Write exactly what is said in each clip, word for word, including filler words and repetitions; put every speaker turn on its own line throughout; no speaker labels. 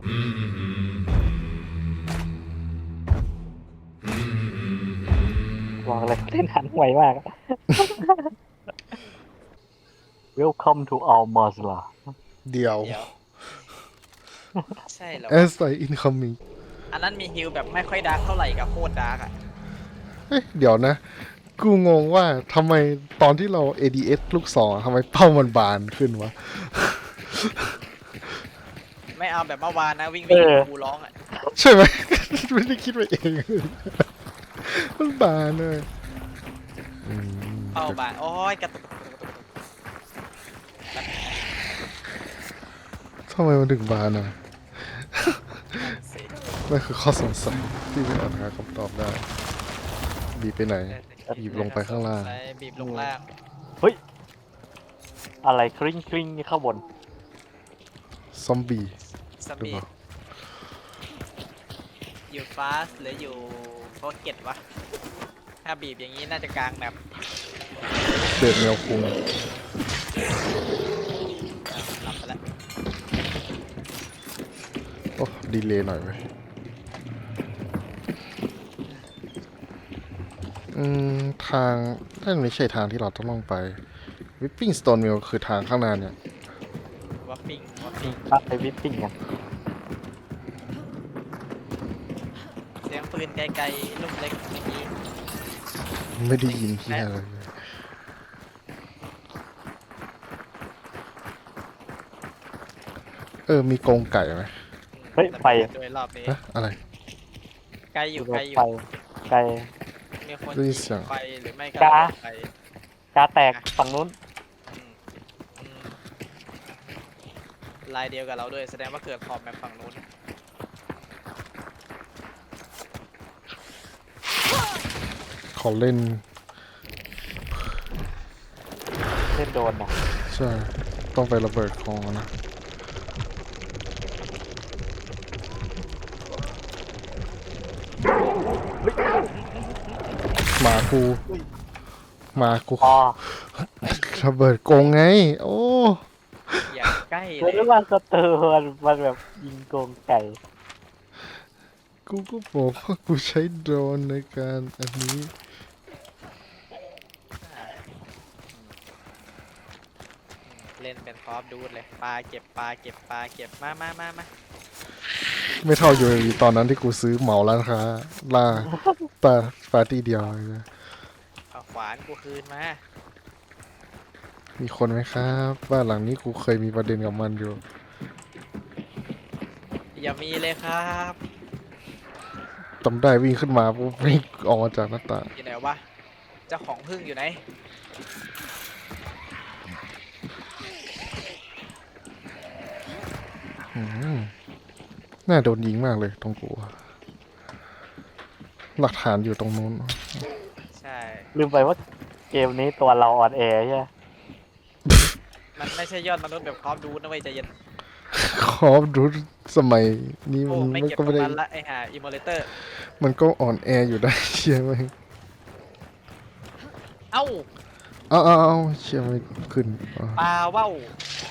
บอกเลยเล่นหันไวมาก Welcome to our Mazla
เดี๋ยว
เดี๋ยว ใช่เหรอ
แอ
วะ
สไซอินคัมมิ่ง
อันนั้นมีฮิลแบบไม่ค่อยดาร์กเท่าไหร่กับโคตรดาร์กอ่ะ
เฮ้ยเดี๋ยวนะ กูงงว่าทำไมตอนที่เรา เอ ดี เอส ลูกศรทำไมเป้ามันบานขึ้นวะ
ไม่เอาแบบเมื่อวานนะวิ่ง
เอ
วิ่ง
อ
กูร้องอ่ะ
ใช่ไหม ไม่ได้คิดไปเอง มันบานเลยอืม
เป้าบานโอ้ยกระตุกกระตุกกระตุกกระตุก
ทำไมมันถึงบานอ่ะ
นั่นสิ
นั่นคือข้อสงสัยที่ไม่อาจหาคำตอบได้ บีบไปไหน หยิบลงไปข้างล่าง
ไปบีบลงล่าง
เฮ้ย อะไรคริ้งคริ้งนี่ข้างบน
ซอมบี้
ซัม
หรือ
บี้
เปล่า
อยู่ฟาสหรืออยู่โฟเก็ตวะ ถ้าบีบอย่างนี้น่าจะกลางแบบ
เดือดแมวคุง
อ้าวหลับไปแล้ว
โอ้ดีเลย์หน่อยไหมอืม ทางนั่นไม่ใช่ทางที่เราต้องลงไปวิปปิ้งสโตนมิลคือทางข้างหน้าเนี่ย
วัฟฟิงวัฟฟิง
ปักไปวิปปิ้งกัน
เสียงปืนไกลๆลูกเล็กเมื่อกี้
ไม่ได้ยินที่อะไรเลยเออ มีกรงไก่ไหม
เฮ้ยไฟ
โดยรอบนี้
ฮะอะไร
ไกลอยู่
ร
ไกล
ถ
อ
ไฟ
ยู่
ไกล
มีคน
ได้ยิ
ยิ
นเสียง
งไฟหรือไม่ก็
จ้า
ไฟ
กาแตกฝั่งนู้น
อืมอืมลายเดียวกับเราด้วยแสดงว่าเกิดขอบแบบฝั่งนู้น
ขอเล่น
เล่นโดนนะ
ใช่ ต้องไประเบิดคอนะ หมากูหมากู
อ๋อ
ระเบิดกรงไง โอ้
อย่าใกล้เล
เรี
ย
ยกว่าสเตอร์มันมันแบบยิงโกงไก่
กูก็บอกว่ากูใช้โดรนในการอันนี้
เล่นเป็นคอฟดูดเลยปลาเก็บปลาเก็บปลาเก็บมามามามา
ไม่เท่าอยู่ในตอนนั้นที่กูซื้อเหมาร้านค้าล่าปาปาร์ตี้เดียวเลยนะ
เอาขวานกูคืนมา
มีคนไหมครับ บ้านหลังนี้กูเคยมีประเด็นกับมันอยู่
อย่ามีเลยครับ
จำได้วิ่งขึ้นมาปุ๊บวิ่งออกมาจากหน้าต่าง
อยู่ไหนวะเจ้าของพึ่งอยู่ไหน
อืมน่าโดนยิงมากเลยตรงกูอะหลักฐานอยู่ตรงนู้น
ใช่
ลืมไปว่าเกมนี้ตัวเราอ่อนแอใช่ไหม
มันไม่ใช่ยอดมนุษย์แบบคอฟดูดนะเว้ยใจเย็น
คอฟดูสมัยนี้
โอ้
มัน
ไม่
มัน
เก็บ
ก็
ตร
ไม่
ง
ได้
นั้นละไอ้ห่าอิมโมเลเตอร์
มันก็อ่อนแออยู่ได้ เชื่อไหม
เอ้า
เอาเอาเอาเชื่อไม่ขึ้นอ่ะ
ปลาว่าว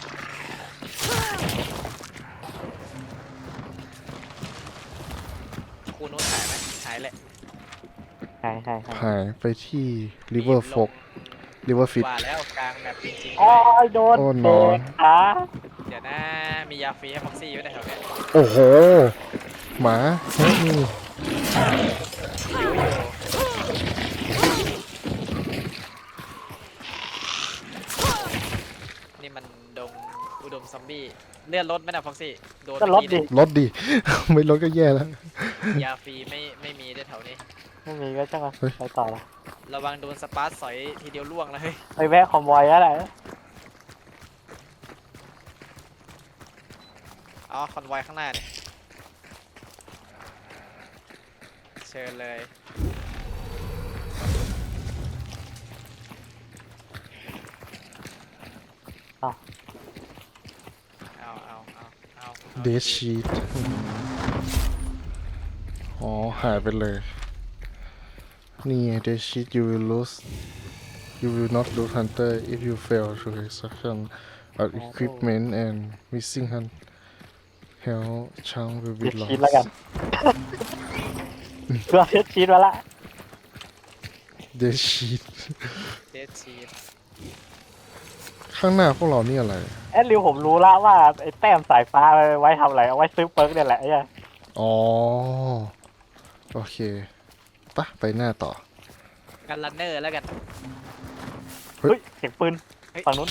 คูนู้นหายไหมหายแหละ
ใช่ใช่ใช่
หายไปที่ River Folk River Fit
ว่าแล้วกลางแบบจริงๆ
อ๋อ
ด้วย
โดน
โอ้น
เตะ
อน
ขา
เดี๋ยวนะ มียาฟรีให้พ็อกซี่อยู่ในแถวเนี้ย
โอ้โห หมาเฮ้ยนี่
หิวอยู่นี่มันดงอุดมซอมบี้เลื่อนรถไหมนะพ็อกซี่โดน
ก็
เมื่
ล
อ
ด
กี้
ดิ
เนี่ย
รถดิ ไม่รถก็แย่แล้ว
ยาฟรีไม่ไม่มีด้วยแถวนี้
ไม่มีก็ช่างมัน
เฮ้ย
ไปต่อละ
ระวังโดนสปาร์ตสอยทีเดียวล่วงแล้วเฮ้ย
ไปแวะคอมบอยแล้วแหละ
อ๋อคอนไวอยข้างหน้าเนี่ยเชิญเลย
อ้าว
เอาเอาเอาเอา
เดชชีตอ๋อ หายไปเลย นี่เดชชีต you will lose you will not lose hunter if you fail to extraction of equipment and missing hunt hell ช่าง will
เท
be
ส
lost
ชีสแล้วกันเพื่อเทสชีสมาละ
the sheet
เดดชีส
ข้างหน้าพวกเรานี่อะไร
แอดริวผมรู้ละว่าไอ้แต้มสายฟ้าไว้ทำอะไรเอาไว้ซื้อเปิร์กเนี่ยแหละไอ้เหี้ย
อ๋อ โอเคปะไปหน้าต่อ
กันรันเนอร์แล้วกัน
เฮ้ย
เฮ้ยเสียงปืน
เฮ้ย
ฝั่งนู้น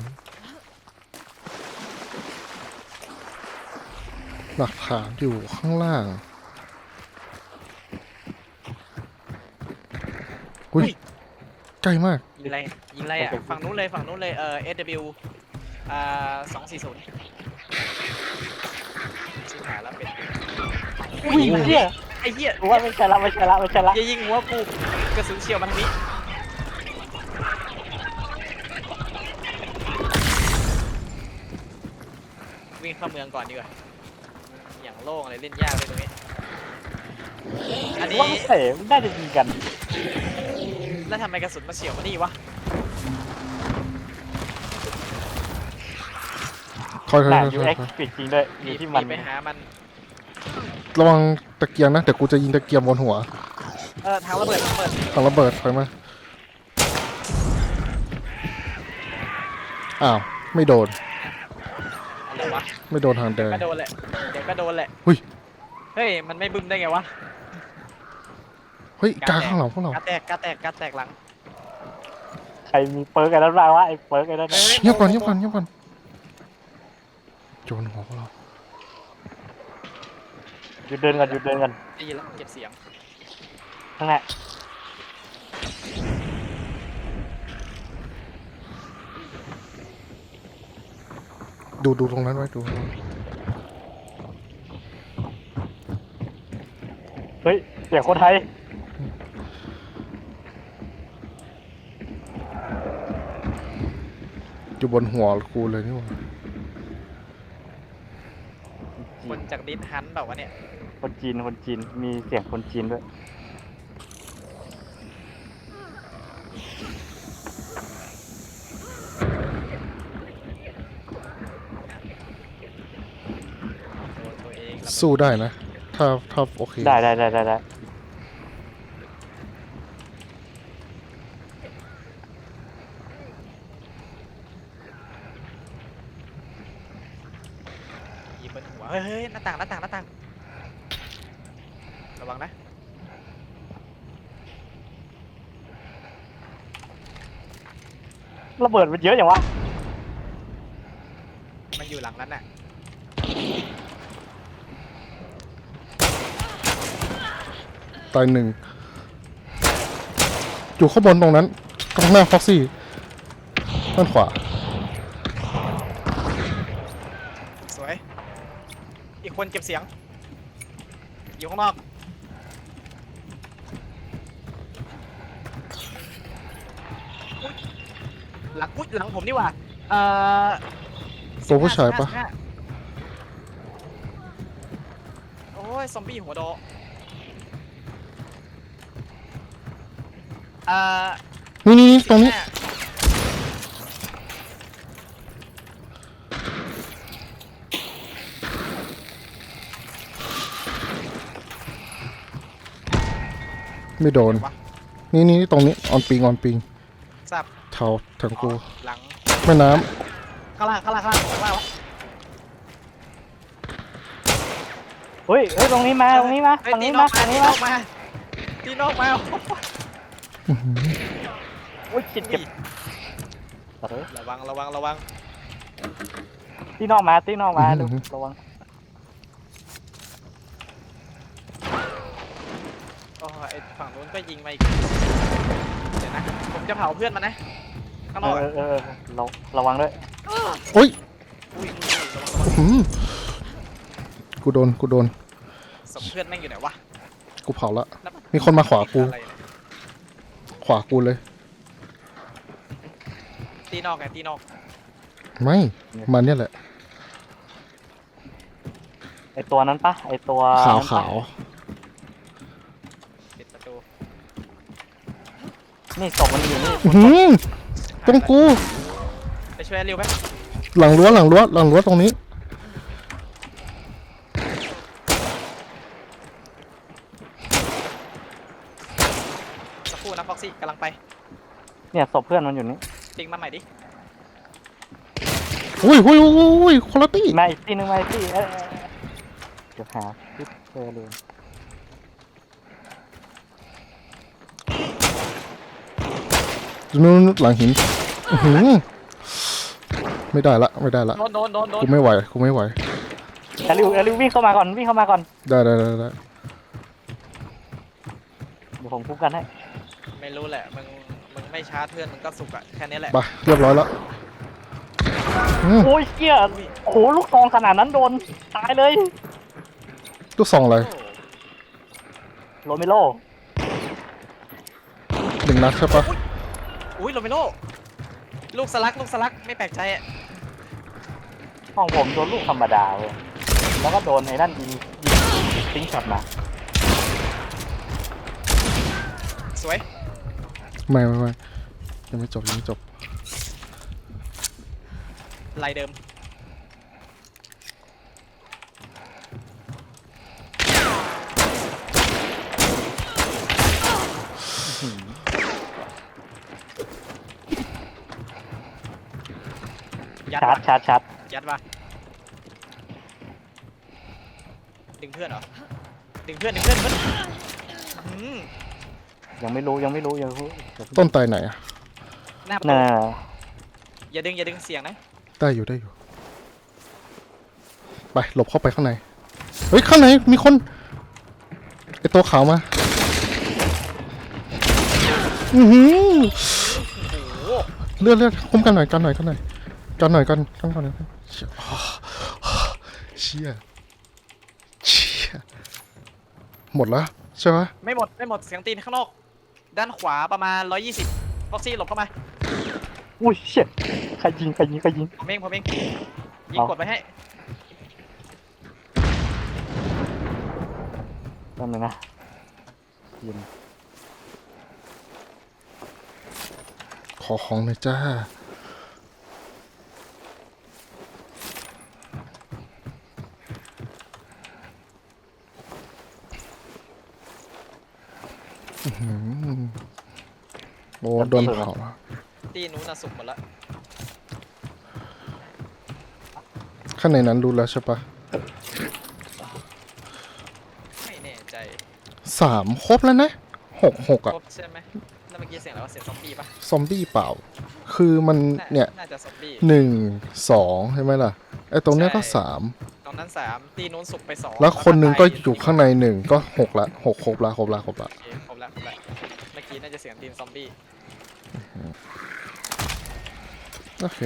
หลักฐานอยู่ข้างล่างอุ้ยใกล้มาก
ยิงอะไรยิงอะไรอ่ะฝั่งนู้นเลยฝั่งนู้นเลยเอ่อ เอส ดับเบิลยู อ่าสองสี่ศูนย์ชิบหายแล้วเป็น
อุ้ยเหี้ย
ไอ้เหี้ย
รู้ว่าไม่ใช่ละไม่ใช่ละไม่ใช่ละ
อย่ายิงหัวกูกระสุนเฉียวมันทางนี้วิ่งเข้าเมืองก่อนดีกว่าอย่างโล่งเลยเล่นยากเลยตรงนี้อันนี้
ว่าไม่ใช่น่าจะยิงกัน
แล้วทำไมกระสุนมาเฉียวมานี่วะ
คอยคอย
น่า
คอย
ยู
ค
เอ็
อก ย
ปิดจริงด้วยอยู่ที่มัน
ไปหามัน
ระวังตะเกียงนะเดี๋ยวกูจะยิงตะเกียงบนหัว
เออทางระเบิดทางระเบิด
ทางระเบิดถอยมาอ้าว ไม่โดน
อะไรวะ
ไม่โดนทางแดง
ก็โดนแหละเดี๋ยวก็โดนแหละ
หุ้ย
เฮ้ยมันไม่บึ้มได้ไงวะ
เฮ้ยกาข้างหลังพวกเรา
กาแตกกาแตกกาแตกหลัง
ใครมีเปิร์กอะไรบ้างวะไอ้เปิร์กไอ้นั่นน่ะ
เงียบก่อนเงียบก่อนเงียบก่อนโจนหัวพวกเรา
หยุดเดินกันหยุดเดินกัน
ได้ยินแล้วเก็บเสียง
ข้างหน้า
ดูดูตรงนั้นไว้ดูตรงนั้น
เฮ้ยเสียงคนไทย
อยู่บนหัวกูเลยนี่หว่า
คนจากดินฮันแบบว่าวะเนี่ย
คนจีนคนจีนมีเสียงคนจีนด้วย
ตัวตัวเองแล้ว
สู้ได้นะ ถ้าถ้าโอเค
ได้ได้ได้ได้ได้
ยิงบนหัวเฮ้ยเฮ้ยหน้าต่างหน้าต่างหน้าต่างระวังนะ
ระเบิดมันเยอะอย่างวะ
มันอยู่หลังนั้นน่ะ
ตายหนึ่งอยู่ข้างบนตรงนั้นตรงหน้าฟ็อกซี่ด้านขวา
สวยอีกคนเก็บเสียงอยู่ข้างนอกอุ๊ยหลังอุ๊ยหลังผมนี่หว่าเอ่อ
ตัวผู้ชายปะ
สิบห้าโอ้ย ซอมบี้หัวโดเอ่อ
นี่นี่นี่ตรงนี้
สิบห้า
ไม่โดน
วะ
นี่นี่ตรงนี้ออนปิงออนปิง
ทราบ
เท้าถึงกู
หลัง
แม่น้
ข้างล่างข้างล่างข้างล่างข้างล่างวะ
เฮ้ยเฮ้ยตรงนี้มาตรงนี้มา
เฮ้ย
ฝั่ง
ตี
นี้
น
มา
อกมา
ฝั่ง
ตี
นี้
น
มา
อกมาตีนอกมา
ำอื้อหือ
โอ้ยชิดเก็บตัดเลย
ระวังระวังระวัง
ตีนอกมาตีนอกมาดูระวัง
โอ้ยไอ้ฝั่งนู้นก็ยิงมาอีกเดี๋ยวนะผมจะเผาเพื่อนมันนะข้างนอก
เอ
อะ
อเออเออระระวังด้วย
โอ้ย
อุ้ยอุ้ยระวังระวัง
อื้อหือกูโดนกูโดน
ศพเพื่อนแม่งอยู่ไหนวะ
กูเผาละ
แล้วน
มีคนมาขวากู
อะไรเนี่ย
ขวากูเลย
ตีนอกไงตีนอก
ไม่มันเนี่ยแหละ
ไอตัวนั้นปะไอตัว
ขาว
นั้นปะ
ขาว
ปิดประตู
นี่ศพมันอยู่นี่
อื้อหือตรงกู
ไปช่วยเร็วไหม
หลังรั้วหลังรั้วหลังรั้วตรงนี้
เนี่ยศพเพื่อนมันอยู่นี่
ติ๊งมาใหม่ดิ
อุ้ยอุ้ยอุ้ยอุ้ยคนละตี้
มาอีกที่นึงมาอีกที่เอ้ยเอ้ยเอ้ยเดี๋ยวหาที่เจอเลย
นู่นหลังหินอื้อหือไม่ได้ละไม่ได้ละ
โดนโดนโดนโดน
กูไม่ไหวกูไม่ไหว
แอลิวแอลิววิ่งเข้ามาก่อนวิ่งเข้ามาก่อน
ได้ได้ได้ได้
เดี๋ยวผมคุ้มกันให้
ไม่รู้แหละมึงมึงไม่ชาร์จเพื่อนมึงก็สุกอะแค่นี้แหละ
ไปเรียบร้อยแล้วอืม
โอ้ยเกี้ยโอ้โหลูกซองขนาดนั้นโดนตายเลย
ลูกซองอะไร
โรเมโล
หนึ่งนัดใช่ปะ
อุ้ยโรเมโลลูกสลักลูกสลักไม่แปลกใจอะ
ห้องผมโดนลูกธรรมดาเลยแล้วก็โดนไอ้นั่นยิงยิงทิ้งช็อตมา
สวย
ไม่ไม่ไม่ยังไม่จบยังไม่จบ
ลายเดิมยัด
ชาร์จ
ว่ะ
ชาร์จชาร์จ
ยัดว่ะดึงเพื่อนเหรอดึงเพื่อนดึงเพื่อนเพื่อนอืม
ยังไม่รู้ยังไม่รู้ยังไม่รู้
ต้นตายไหนอะ
หน้าประตู
น่า
อย่าดึงอย่าดึงเสียงนะ
ได้อยู่ได้อยู่ไปหลบเข้าไปข้างในเฮ้ยข้างในมีคนไอตัวขาวมาอือหือ
โอ้โห
เลือดเลือดคุ้มกันหน่อยกันหน่อยกันหน่อยกันหน่อยกันกันก่อนนะเชี่ยเชี่ยเชี่ยหมดแล้วใช่ไหม
ไม่หมดไม่หมดเสียงตีนข้างนอกด้านขวาประมาณร้อยยี่สิบฟ็อกซี่หลบเข้ามา
อุ้ยเชี่ยใครยิงใครยิงใครยิง
ผมเองผมเองยิง
เอา
กดไปให้
แป๊บนึงนะยิง
ขอของหน่อยจ้าอื้อหือโอ้โดนเผา
ตีนู้นน่ะสุกหมดละ
ข้างในนั้นรู้แล้วใช่ปะ
ไม่แน่ใจ
สามครบแล้วนะหกหก
คร
อะ
บใช่ไหมแล้วเมื่อกี้เสียงอะไรวะเสียงซอมบี้ปะ
ซอมบี้เปล่า คือมัน
น่า
เนี่ย
น่าจะซอมบี้
หนึ่งสองใช่ไหมล่ะไอ้ตรงเนี้ยก็
ใช่
สาม
ตอนนั้นสามตีนู้นสุกไปสอง
แล้วคนหนึงก็
ตาย
อยู่ข้างในหนึ่งก็หกละหกครบละครบละครบละ
โอเคครบแล้วครบแล้วเมื่อกี้น่าจะเสียงตีนซอมบี้
โอเค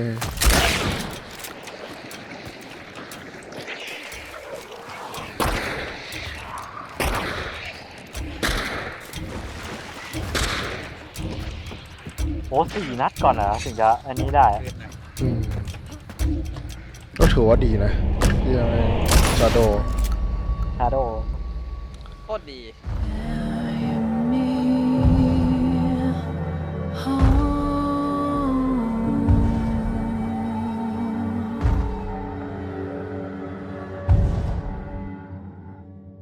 โอ้สี่นัดก่อนเหรอถึงจะอันนี้ได้
คืนนะ
อืมก็ถือว่าดีนะที่ยังชาโด
ชาโด
โคตรดี